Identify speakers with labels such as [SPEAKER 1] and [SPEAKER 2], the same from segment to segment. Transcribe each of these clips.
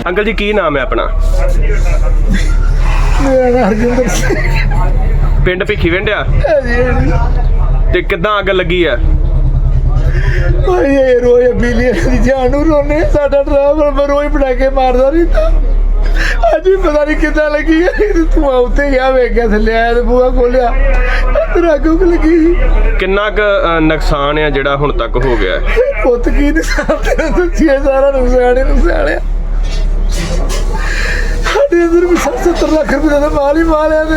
[SPEAKER 1] Uncle जी की नाम है अपना?
[SPEAKER 2] मेरा नाम हरजिंदर सिंह
[SPEAKER 1] पिंड भिखीविंड आ ते किद्दां अग लगी है?
[SPEAKER 2] ये रोज बिजली की जान नूं रोने साडा ड्राइवर रोज पटाके मारदा रहिंदा अज भी पता नहीं किद्दां लगी है धुआं उत्ते गया वेख्या थल्ले आया ते बूहा खोलिया अंदर अग उग लगी
[SPEAKER 1] किन्ना क नुकसान है जिहड़ा हुण तक हो गया है?
[SPEAKER 2] पुत्त की नुकसान तेरा दस्सिया सारा नुकसान ही नुकसान है साढ़े अंदर भी 70 लाख रुपए का माल ही माल है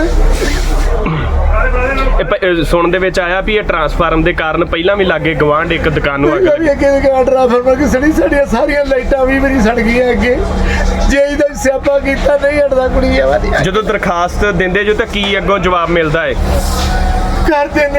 [SPEAKER 1] सुन दे विच आया भी ये ट्रांसफार्म के कारण पहला भी लागे गवांढ एक दुकान नूं अग लगी।
[SPEAKER 2] अगे ट्रांसफार्मर की सड़ी साड़ियां सारियां लाइटां भी मेरी सड़ गई अगे जे इदा स्यापा कीता नहीं हटदा कुड़ी है
[SPEAKER 1] जदों दरखास्त दिंदे जो तो की अगों जवाब मिलदा है?
[SPEAKER 2] कर देने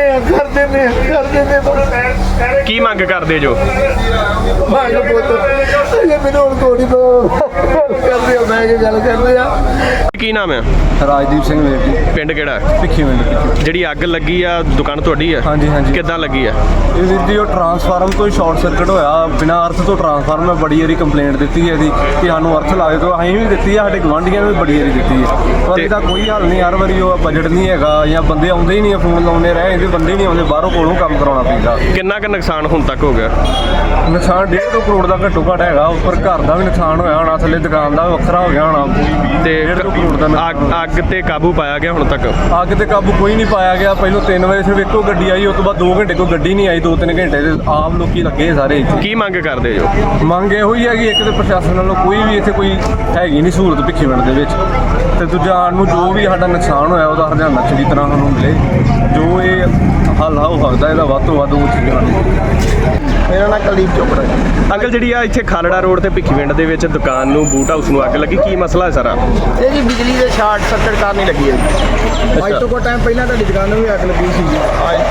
[SPEAKER 1] की मंग करदे जो?
[SPEAKER 2] भाग पुੱਤ ये मैंने हुण कोड़ी कर दिया मैं के गल कर रहा
[SPEAKER 1] की नाम है?
[SPEAKER 3] राजदीप सिंह वीर जी
[SPEAKER 1] पिंड किहड़ा?
[SPEAKER 3] भिखੀਵਿੰਡ
[SPEAKER 1] ਜਿਹੜੀ ਅੱਗ ਲੱਗੀ ਆ ਦੁਕਾਨ ਤੁਹਾਡੀ ਆ?
[SPEAKER 3] ਹਾਂਜੀ ਹਾਂਜੀ
[SPEAKER 1] ਕਿੱਦਾਂ ਲੱਗੀ ਆ?
[SPEAKER 3] ਇਹ ਵੀਰ ਜੀ ਉਹ ਟਰਾਂਸਫਾਰਮ ਤੋਂ ਸ਼ਾਰਟ ਸਰਕਟ ਹੋਇਆ ਬਿਨਾਂ ਅਰਥ ਤੋਂ ਟਰਾਂਸਫਾਰਮ ਮੈਂ ਬੜੀ ਵਾਰੀ ਕੰਪਲੇਂਟ ਦਿੱਤੀ ਹੈ ਇਹਦੀ ਕਿ ਸਾਨੂੰ ਅਰਥ ਲਾਵੇ ਤੋਂ ਅਸੀਂ ਵੀ ਦਿੱਤੀ ਹੈ ਸਾਡੇ ਗਵਾਂਢੀਆਂ ਨੇ ਵੀ ਬੜੀ ਵਾਰੀ ਦਿੱਤੀ ਹੈ ਪਰ ਇਹਦਾ ਕੋਈ ਹੱਲ ਨਹੀਂ ਹਰ ਵਾਰੀ ਉਹ ਬਜਟ ਨਹੀਂ ਹੈਗਾ ਜਾਂ ਬੰਦੇ ਆਉਂਦੇ ਹੀ ਨਹੀਂ ਫੋਨ ਲਾਉਂਦੇ ਰਹੇ ਇਹਦੇ ਬੰਦੇ ਨਹੀਂ ਆਉਂਦੇ ਬਾਹਰੋਂ ਕੋਲੋਂ ਕੰਮ ਕਰਾਉਣਾ ਪੈਂਦਾ।
[SPEAKER 1] ਕਿੰਨਾ ਕੁ ਨੁਕਸਾਨ ਹੁਣ ਤੱਕ ਹੋ ਗਿਆ?
[SPEAKER 3] ਨੁਕਸਾਨ 1.5 ਕਰੋੜ ਦਾ ਘੱਟੋ ਘੱਟ ਹੈਗਾ ਉੱਪਰ ਘਰ ਦਾ ਵੀ ਨੁਕਸਾਨ ਹੋਇਆ ਹੋਣਾ ਥੱਲੇ ਦੁਕਾਨ ਦਾ ਵੱਖਰਾ ਹੋ ਗਿਆ ਹੋਣਾ
[SPEAKER 1] ਤੇ
[SPEAKER 3] 1.5 ਕਰੋੜ ਦਾ
[SPEAKER 1] ਅੱਗ ਤੇ ਕਾਬੂ ਪਾਇਆ ਗਿਆ ਹੁਣ ਤੱਕ?
[SPEAKER 3] ਅੱਗ ਤੇ ਕਾਬੂ ਕੋਈ ਨਹੀਂ ਪਾਇਆ ਗਿਆ ਪਹਿਲੋਂ 3 ਵਜੇ ਸਿਰਫ ਇੱਕੋ ਗੱਡੀ ਆਈ ਉਸ ਤੋਂ ਬਾਅਦ 2 ਘੰਟੇ ਕੋਈ ਗੱਡੀ ਨਹੀਂ ਆਈ 2-3 ਘੰਟੇ ਤੇ ਆਮ ਲੋਕੀ ਲੱਗੇ ਸਾਰੇ ਇੱਥੇ।
[SPEAKER 1] ਕੀ ਮੰਗ ਕਰਦੇ ਜੋ?
[SPEAKER 3] ਮੰਗ ਇਹੋ ਹੀ ਹੈਗੀ ਇੱਕ ਤੇ ਪ੍ਰਸ਼ਾਸਨ ਵੱਲੋਂ ਕੋਈ ਵੀ ਇੱਥੇ ਕੋਈ ਹੈਗੀ ਨਹੀਂ ਸਹੂਲਤ भिखੀਵਿੰਡ ਦੇ ਵਿੱਚ ਤੇ ਦੂਜਾ ਨੂੰ ਜੋ ਵੀ ਸਾਡਾ ਨੁਕਸਾਨ ਹੋਇਆ ਉਹਦਾ ਹਰਜਾਨਾ ਚੰਗੀ ਤਰ੍ਹਾਂ ਸਾਨੂੰ ਮਿਲੇ ਜੋ ਇਹ ਹੱਲ ਹੋ ਸਕਦਾ ਇਹਦਾ ਵੱਧ ਤੋਂ ਵੱਧ ਉਹ ਚੀਜ਼ਾਂ।
[SPEAKER 2] मेरा नाम कुलदीप चोपड़ा है
[SPEAKER 1] ਅੰਕਲ ਜਿਹੜੀ ਆ ਇੱਥੇ ਖਾਲੜਾ ਰੋਡ ਤੇ भिखੀਵਿੰਡ ਦੇ ਵਿੱਚ ਦੁਕਾਨ ਨੂੰ ਬੂਟ ਹਾਊਸ ਨੂੰ ਅੱਗ ਲੱਗੀ ਕੀ ਮਸਲਾ ਹੈ ਸਾਰਾ?
[SPEAKER 2] ਇਹ ਜੀ ਬਿਜਲੀ ਦੇ ਸ਼ਾਰਟ ਸਰਕਟ ਕਾਰਨ ਹੀ ਲੱਗੀ ਹੈ ਅੱਜ ਤੋਂ ਕੋਈ ਟਾਈਮ ਪਹਿਲਾਂ ਤੁਹਾਡੀ ਦੁਕਾਨ ਨੂੰ ਵੀ ਅੱਗ ਲੱਗੀ ਸੀ ਜੀ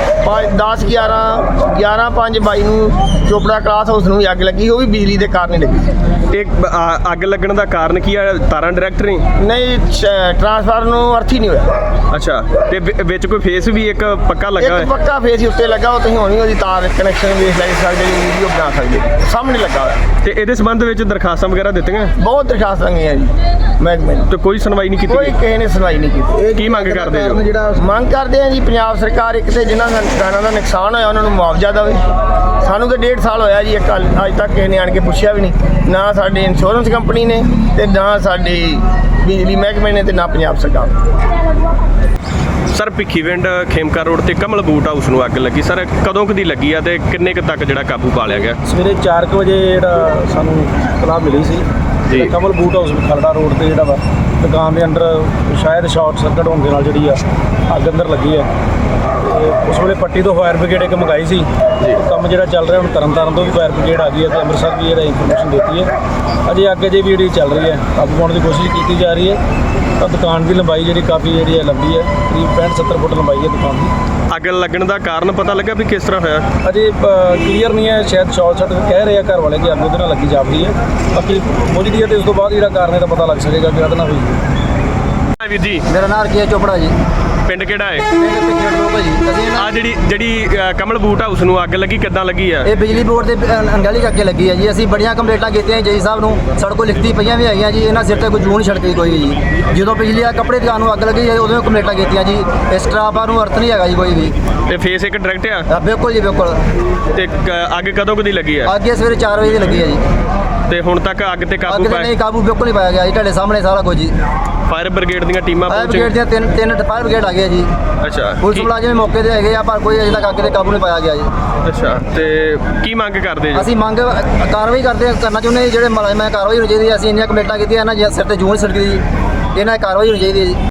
[SPEAKER 2] 11/5/22 ਨੂੰ ਚੋਪੜਾ ਕਲਾਸ ਹਾਊਸ ਨੂੰ ਵੀ ਅੱਗ ਲੱਗੀ ਉਹ ਵੀ ਬਿਜਲੀ ਦੇ ਕਾਰਨ ਹੀ ਲੱਗੀ
[SPEAKER 1] ਇਹ ਅੱਗ ਲੱਗਣ ਦਾ ਕਾਰਨ ਕੀ ਆ? ਤਾਰਾਂ ਡਾਇਰੈਕਟ
[SPEAKER 2] ਨਹੀਂ ਟਰਾਂਸਫਾਰਮਰ ਨੂੰ ਅਰਥ ਹੀ ਨਹੀਂ ਹੋਇਆ
[SPEAKER 1] ਅੱਛਾ ਤੇ ਵਿੱਚ ਕੋਈ ਫੇਸ ਵੀ ਇੱਕ ਪੱਕਾ ਲੱਗਾ
[SPEAKER 2] ਇੱਕ
[SPEAKER 1] ਹੋਇਆ?
[SPEAKER 2] ਪੱਕਾ ਫੇਸ ਹੀ ਉੱਤੇ ਲੱਗਾ ਉਹ ਤੁਸੀਂ ਹੋਣੀ ਉਹਦੀ ਤਾਰ ਕਨੈਕਸ਼ਨ ਵੇਖ ਲੈ ਸਕਦੇ ਵੀਡੀਓ ਬਣਾ ਸਕਦੇ ਸਾਹਮਣੇ ਲੱਗਾ ਹੋਇਆ
[SPEAKER 1] ਤੇ ਇਹਦੇ ਸੰਬੰਧ ਵਿੱਚ ਦਰਖਾਸਤਾਂ ਵਗੈਰਾ ਦਿੱਤੀਆਂ?
[SPEAKER 2] ਬਹੁਤ ਦਰਖਾਸਤਾਂ ਗਈਆਂ ਜੀ ਮਹਿਕਮੇ ਨੂੰ
[SPEAKER 1] ਤੇ ਕੋਈ ਸੁਣਵਾਈ ਨਹੀਂ ਕੀਤੀ
[SPEAKER 2] ਕੋਈ
[SPEAKER 1] ਗਈ?
[SPEAKER 2] ਕਿਸੇ ਨੇ ਸੁਣਵਾਈ ਨਹੀਂ ਕੀਤੀ
[SPEAKER 1] ਕੀ ਮੰਗ ਕਰਦੇ ਜੋ?
[SPEAKER 2] ਮੰਗ ਕਰਦੇ ਆ ਜੀ ਪੰਜਾਬ ਸਰਕਾਰ ਇੱਕ ਤੇ ਜਿਨ੍ਹਾਂ ਦਾ ਦੁਕਾਨਾਂ ਦਾ ਨੁਕਸਾਨ ਹੋਇਆ ਉਹਨਾਂ ਨੂੰ ਮੁਆਵਜ਼ਾ ਦੇਵੇ ਸਾਨੂੰ ਤਾਂ 1.5 ਸਾਲ ਹੋਇਆ ਜੀ ਇੱਕ ਅੱਜ ਤੱਕ ਕਿਸੇ ਨੇ ਆਣ ਕੇ ਪੁੱਛਿਆ ਵੀ ਨਹੀਂ ਨਾ ਸਾਡੇ ਇੰਸ਼ੋਰੈਂਸ ਕੰਪਨੀ ਨੇ ਤੇ ਨਾ ਸਾਡੀ ਬਿਜਲੀ ਮਹਿਕਮੇ ਨੇ ਤੇ ਨਾ ਪੰਜਾਬ ਸਰਕਾਰ।
[SPEAKER 1] ਸਰ भिखीਵਿੰਡ ਖੇਮਕਾ ਰੋਡ ਤੇ ਕਮਲ ਬੂਟ ਹਾਊਸ ਨੂੰ ਅੱਗ ਲੱਗੀ ਸਰ ਕਦੋਂ ਕਦੀ ਲੱਗੀ ਆ ਤੇ ਕਿੰਨੇ ਕੁ ਤੱਕ ਜਿਹੜਾ ਕਾਬੂ ਪਾ ਲਿਆ ਗਿਆ?
[SPEAKER 4] ਸਵੇਰੇ 4 ਵਜੇ ਜਿਹੜਾ ਸਾਨੂੰ ਇਤਲਾਹ ਮਿਲੀ ਸੀ
[SPEAKER 1] ਜੀ।
[SPEAKER 4] Kamal boot house Kharar road ਤੇ ਜਿਹੜਾ ਵਾ ਦੁਕਾਨ ਦੇ ਅੰਦਰ ਸ਼ਾਇਦ ਸ਼ਾਰਟ ਸਰਕਟ ਹੋਣ ਦੇ ਨਾਲ ਜਿਹੜੀ ਆ ਅੱਗ ਅੰਦਰ ਲੱਗੀ ਹੈ ਤੇ ਉਸ ਵੇਲੇ ਪੱਟੀ ਤੋਂ ਫਾਇਰ ਬ੍ਰਿਗੇਡ ਇੱਕ ਮੰਗਾਈ ਸੀ ਕੰਮ ਜਿਹੜਾ ਚੱਲ ਰਿਹਾ ਹੁਣ ਤਰਨਤਾਰਨ ਤੋਂ ਵੀ ਫਾਇਰ ਬ੍ਰਿਗੇਡ ਆ ਗਈ ਹੈ ਤੇ ਅੰਮ੍ਰਿਤਸਰ ਵੀ ਇਹਦਾ ਇਨਫੋਰਮੇਸ਼ਨ ਦਿੱਤੀ ਹੈ ਅਜੇ ਅੱਗੇ ਜੇ ਵੀ ਜਿਹੜੀ ਚੱਲ ਰਹੀ ਹੈ ਕਾਬੂ ਪਾਉਣ ਦੀ ਕੋਸ਼ਿਸ਼ ਕੀਤੀ ਜਾ ਰਹੀ ਹੈ ਤਾਂ ਦੁਕਾਨ ਦੀ ਲੰਬਾਈ ਜਿਹੜੀ ਕਾਫੀ ਜਿਹੜੀ ਹੈ ਲੰਬੀ ਹੈ ਕਰੀਬ 65-70 ਫੁੱਟ ਲੰਬਾਈ ਹੈ ਦੁਕਾਨ ਦੀ।
[SPEAKER 1] ਅੱਗ ਲੱਗਣ ਦਾ ਕਾਰਨ ਪਤਾ ਲੱਗਾ ਵੀ ਕਿਸ ਤਰ੍ਹਾਂ ਹੋਇਆ?
[SPEAKER 4] ਅਜੇ ਕਲੀਅਰ ਨਹੀਂ ਹੈ ਸ਼ਾਇਦ ਸ਼ਾਰਟ ਸਰਕਟ ਕਹਿ ਰਹੇ ਆ ਘਰ ਵਾਲੇ ਕਿ ਅੱਗ ਉਹਦੇ ਨਾਲ ਲੱਗੀ ਜਾਪਦੀ ਹੈ ਬਾਕੀ ਮੁੱਝਦੀ ਹੈ ਤੇ ਉਸ ਤੋਂ ਬਾਅਦ ਜਿਹੜਾ ਕਾਰਨ ਹੈ ਤਾਂ ਪਤਾ ਲੱਗ ਸਕੇਗਾ ਕਿ ਉਹਦੇ ਨਾਲ ਹੋਈ।
[SPEAKER 1] ਵੀਰ ਜੀ
[SPEAKER 2] ਮੇਰਾ ਨਾਮ ਕੀ ਹੈ ਚੋਪੜਾ ਜੀ
[SPEAKER 1] ਪਿੰਡ ਕਿਹੜਾ ਹੈ?
[SPEAKER 2] ਆ
[SPEAKER 1] ਆ ਜਿਹੜੀ ਕਮਲ ਬੂਟ ਹਾਊਸ ਨੂੰ ਅੱਗ ਲੱਗੀ ਕਿੱਦਾਂ ਲੱਗੀ ਆ?
[SPEAKER 2] ਇਹ ਬਿਜਲੀ ਬੋਰਡ ਦੇ ਅੰਗਲੀ ਅੱਗੇ ਲੱਗੀ ਹੈ ਜੀ ਅਸੀਂ ਬੜੀਆਂ ਕੰਪਲੇਂਟਾਂ ਕੀਤੀਆਂ ਜੀ ਸਾਹਿਬ ਨੂੰ ਸਾਡੇ ਕੋਲ ਲਿਖਤੀ ਪਈਆਂ ਵੀ ਹੈਗੀਆਂ ਜੀ ਇਹਨਾਂ ਸਿਰ ਤੇ ਕੋਈ ਜੂਨ ਛੜਕੀ ਕੋਈ ਜੀ ਜਦੋਂ ਬਿਜਲੀ ਆ ਕੱਪੜੇ ਦੁਕਾਨ ਨੂੰ ਅੱਗ ਲੱਗੀ ਉਦੋਂ ਕੰਪਲੇਂਟਾਂ ਕੀਤੀਆਂ ਜੀ ਇਸ ਟਰਾਪਾ ਨੂੰ ਅਰਥ ਨਹੀਂ ਹੈਗਾ ਜੀ ਕੋਈ ਵੀ
[SPEAKER 1] ਤੇ ਫੇਸ ਇੱਕ ਡਾਇਰੈਕਟ ਆ?
[SPEAKER 2] ਬਿਲਕੁਲ ਜੀ ਬਿਲਕੁਲ।
[SPEAKER 1] ਤੇ ਅੱਗ ਕਦੋਂ ਕਦੀ ਲੱਗੀ ਆ?
[SPEAKER 2] ਅੱਗੇ ਸਵੇਰੇ 4 ਵਜੇ ਦੀ ਲੱਗੀ ਹੈ ਜੀ
[SPEAKER 1] ਤੇ ਹੁਣ ਤੱਕ ਅੱਗ ਤੇ ਕਾਬੂ
[SPEAKER 2] ਅੱਗ ਤੇ ਨਹੀਂ ਕਾਬੂ ਬਿਲਕੁਲ ਨਹੀਂ ਪਾਇਆ ਗਿਆ ਜੀ ਤੁਹਾਡੇ ਸਾਹਮਣੇ ਸਾਰਾ ਕੁਝ ਜੀ
[SPEAKER 1] ਫਾਇਰ ਬ੍ਰਿਗੇਡ ਦੀਆਂ ਟੀਮਾਂ
[SPEAKER 2] ਫਾਇਰ
[SPEAKER 1] ਪਹੁੰਚੀਆਂ?
[SPEAKER 2] ਬ੍ਰਿਗੇਡ ਦੀਆਂ ਤਿੰਨ ਫਾਇਰ ਬ੍ਰਿਗੇਡ ਆ ਗਏ ਜੀ
[SPEAKER 1] ਅੱਛਾ
[SPEAKER 2] ਪੁਲਿਸ ਮੁਲਾਜ਼ਮ ਮੌਕੇ ਤੇ ਹੈਗੇ ਆ ਪਰ ਕੋਈ ਅਜੇ ਤੱਕ ਅੱਗ ਤੇ ਕਾਬੂ ਨਹੀਂ ਪਾਇਆ ਗਿਆ ਜੀ।
[SPEAKER 1] ਅੱਛਾ ਤੇ ਕੀ ਮੰਗ ਕਰਦੇ ਜੀ?
[SPEAKER 2] ਅਸੀਂ ਮੰਗ ਕਾਰਵਾਈ ਕਰਨਾ ਚਾਹੁੰਦੇ ਹਾਂ ਜਿਹੜੇ ਮੁਲਾਜ਼ਮ ਹੈ ਕਾਰਵਾਈ ਹੋਣੀ ਚਾਹੀਦੀ ਹੈ ਅਸੀਂ ਇੰਨੀਆਂ ਕੰਪਲੇਂਟਾਂ ਕੀਤੀਆਂ ਇਹਨਾਂ ਸਿਰ ਤੇ ਜੂਨ ਛੜਕੀ ਜੀ ਇਹਨਾਂ ਦੀ ਕਾਰਵਾਈ ਹੋਣੀ ਚਾਹੀਦੀ ਹੈ ਜੀ।